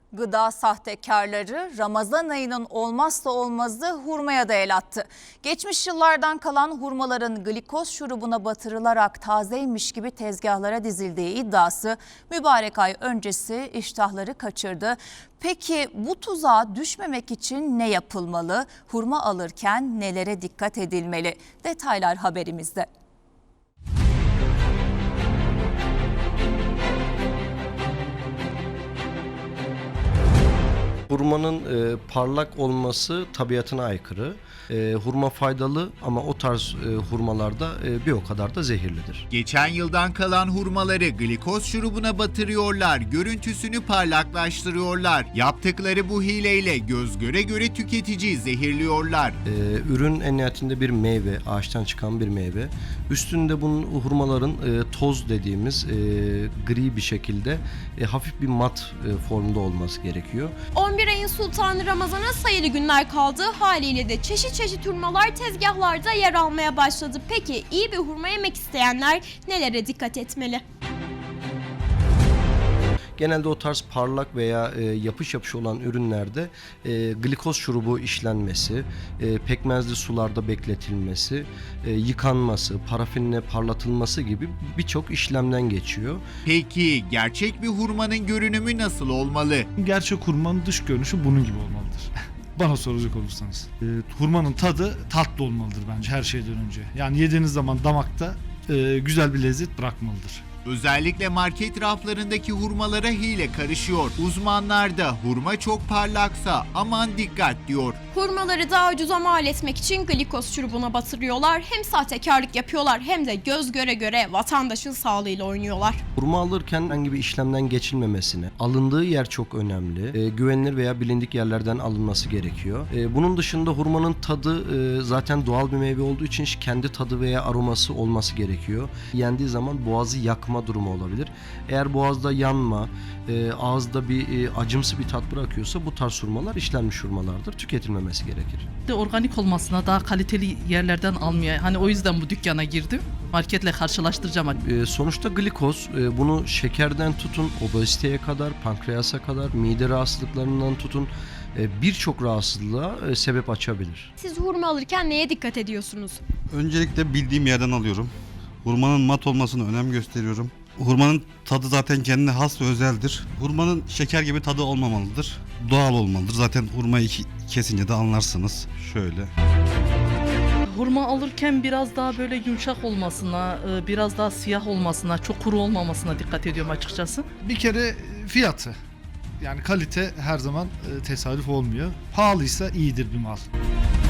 Gıda sahtekarları Ramazan ayının olmazsa olmazı hurmaya da el attı. Geçmiş yıllardan kalan hurmaların glikoz şurubuna batırılarak tazeymiş gibi tezgahlara dizildiği iddiası mübarek ay öncesi iştahları kaçırdı. Peki bu tuzağa düşmemek için ne yapılmalı? Hurma alırken nelere dikkat edilmeli? Detaylar haberimizde. Hurmanın parlak olması tabiatına aykırı. Hurma faydalı ama o tarz hurmalarda bir o kadar da zehirlidir. Geçen yıldan kalan hurmaları glikoz şurubuna batırıyorlar, görüntüsünü parlaklaştırıyorlar. Yaptıkları bu hileyle göz göre göre tüketiciyi zehirliyorlar. Ürün en nihayetinde bir meyve, ağaçtan çıkan bir meyve. Üstünde bunun hurmaların toz dediğimiz gri bir şekilde hafif bir mat formda olması gerekiyor. 11 ayın sultanı Ramazan'a sayılı günler kaldı. Haliyle de çeşit hurmalar tezgahlarda yer almaya başladı. Peki iyi bir hurma yemek isteyenler nelere dikkat etmeli? Genelde o tarz parlak veya yapış olan ürünlerde glikoz şurubu işlenmesi, pekmezli sularda bekletilmesi, yıkanması, parafinle parlatılması gibi birçok işlemden geçiyor. Peki gerçek bir hurmanın görünümü nasıl olmalı? Gerçek hurmanın dış görünüşü bunun gibi olmalıdır. Bana soracak olursanız. Hurmanın tadı tatlı olmalıdır bence her şeyden önce. Yani yediğiniz zaman damakta güzel bir lezzet bırakmalıdır. Özellikle market raflarındaki hurmalara hile karışıyor. Uzmanlar da hurma çok parlaksa aman dikkat diyor. Hurmaları daha ucuza mal etmek için glikoz şurubuna batırıyorlar. Hem sahtekarlık yapıyorlar hem de göz göre göre vatandaşın sağlığıyla oynuyorlar. Hurma alırken herhangi bir işlemden geçilmemesine, alındığı yer çok önemli. Güvenilir veya bilindik yerlerden alınması gerekiyor. Bunun dışında hurmanın tadı zaten doğal bir meyve olduğu için kendi tadı veya aroması olması gerekiyor. Yendiği zaman boğazı yakma durumu olabilir. Eğer boğazda yanma, ağızda bir acımsı bir tat bırakıyorsa bu tarz hurmalar işlenmiş hurmalardır. Tüketilmemesi gerekir. Organik olmasına, daha kaliteli yerlerden almaya, hani o yüzden bu dükkana girdim. Marketle karşılaştıracağım. Sonuçta glikoz bunu şekerden tutun, obeziteye kadar, pankreasa kadar, mide rahatsızlıklarından tutun birçok rahatsızlığa sebep açabilir. Siz hurma alırken neye dikkat ediyorsunuz? Öncelikle bildiğim yerden alıyorum. Hurmanın mat olmasına önem gösteriyorum. Hurmanın tadı zaten kendine has ve özeldir. Hurmanın şeker gibi tadı olmamalıdır. Doğal olmalıdır. Zaten hurmayı kesince de anlarsınız. Şöyle. Hurma alırken biraz daha böyle yumuşak olmasına, biraz daha siyah olmasına, çok kuru olmamasına dikkat ediyorum açıkçası. Bir kere fiyatı. Yani kalite her zaman tesadüf olmuyor. Pahalıysa iyidir bir mal.